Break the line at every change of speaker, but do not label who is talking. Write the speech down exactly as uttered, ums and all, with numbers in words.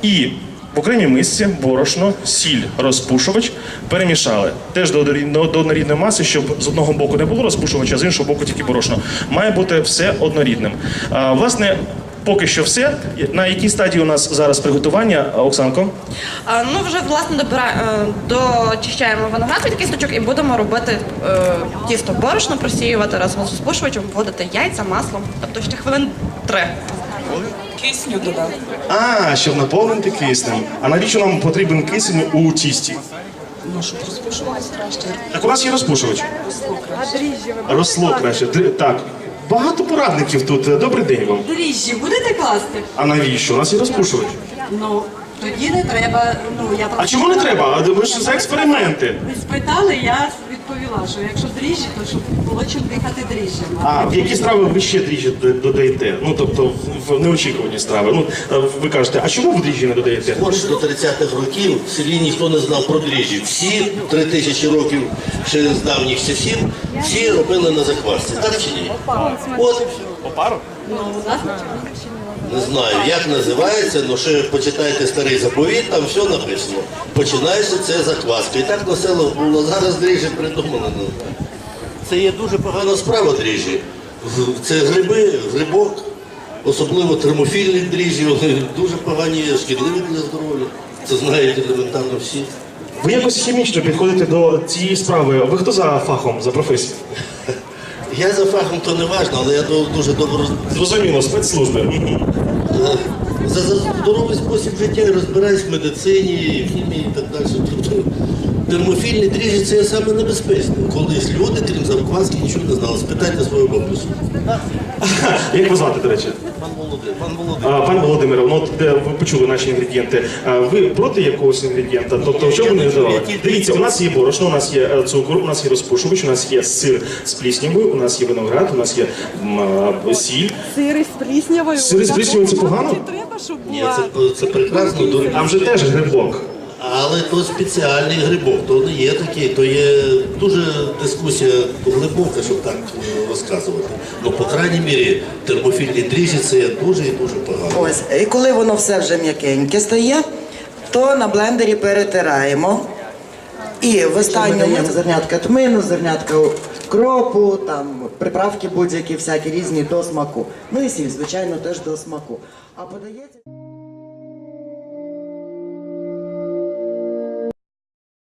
І в окремій мисці борошно, сіль, розпушувач перемішали. Теж до однорідної маси, щоб з одного боку не було розпушувача, а з іншого боку тільки борошно. Має бути все однорідним. А, власне, поки що все. На якій стадії у нас зараз приготування, Оксанко?
А, ну, вже, власне, добира... дочищаємо виноград від кісточок і будемо робити е, тісто борошно, просіювати разом з розпушувачем, вводити яйця, масло, тобто ще хвилин три.
Кисню додав.
А, щоб наповнити киснем. А навіщо нам потрібен кисень у тісті?
Ну, щоб розпушувалось краще.
Так у нас є розпушувач. Росло краще. Д- Так. Багато порадників тут. Добрий день вам.
Дріжджі будете класти?
А навіщо? У нас є розпушувач.
Ну, тоді не треба, ну, я
А чому не треба? А ви ж за експерименти.
Ви спитали, я відповіла, що якщо дріжджі, то щоб було чим дихати дріжджами.
А в які страви ви ще дріжджі д- додаєте? Ну, тобто в- в неочікувані страви. Ну, ви кажете, а чому ви дріжджі не додаєте?
Хоч до тридцятих років в селі ніхто не знав про дріжджі. Всі три тисячі років ще з давніх часів, всі робили на заквасці. Так чи ні? От,
Опару?
Ну, у нас
не знаю, як називається, але ще почитайте старий заповіт, там все написано. Починається це закваска. І так на село було. Зараз дріжджі придумали. Ну, це є дуже погана справа дріжджі. Це гриби, грибок, особливо термофільні дріжджі, вони дуже погані, шкідливі для здоров'я. Це знають елементарно всі.
Ви якось хімічно підходите до цієї справи. Ви хто за фахом, за професією?
Я за фахом то не важно, але я до- дуже добре роз-
Зрозуміло, спецслужби.
е, за, за здоровий спосіб життя і розбираюсь в медицині, в хімії і так далі. Тобто термофільні дріжджі це є саме небезпечне. Колись люди, крім закваски, нічого не знали. Спитайте свою бабусю.
Як ви звати, до речі?
Пан Володимир, пан Володимир.
А, Пане Володимире, ну от де ви почули наші інгредієнти. А ви проти якогось інгредієнта? Тобто, що ви не додавали? Дивіться, у нас є борошно, у нас є е, цукор, у нас є розпушувач, у нас є сир з пліснявою, у нас є виноград, у нас є м, а, сіль.
Сири з пліснявою.
Сири з пліснявою це погано?
Чи треба, щоб
Ні,
була?
це, це прекрасно, до-
Там же теж грибок.
але то спеціальний грибок, то не є такий, то є дуже дискусія глибока, щоб так е, розказувати. Ну, по крайній мірі, термофільні дріжджі це є дуже і дуже погано.
Ось, і коли воно все вже м'якеньке стає, то на блендері перетираємо. І в останньому зернятка тмину, зернятка кропу, там приправки будь-які всякі різні до смаку. Ну і сіль, звичайно, теж до смаку. А подається...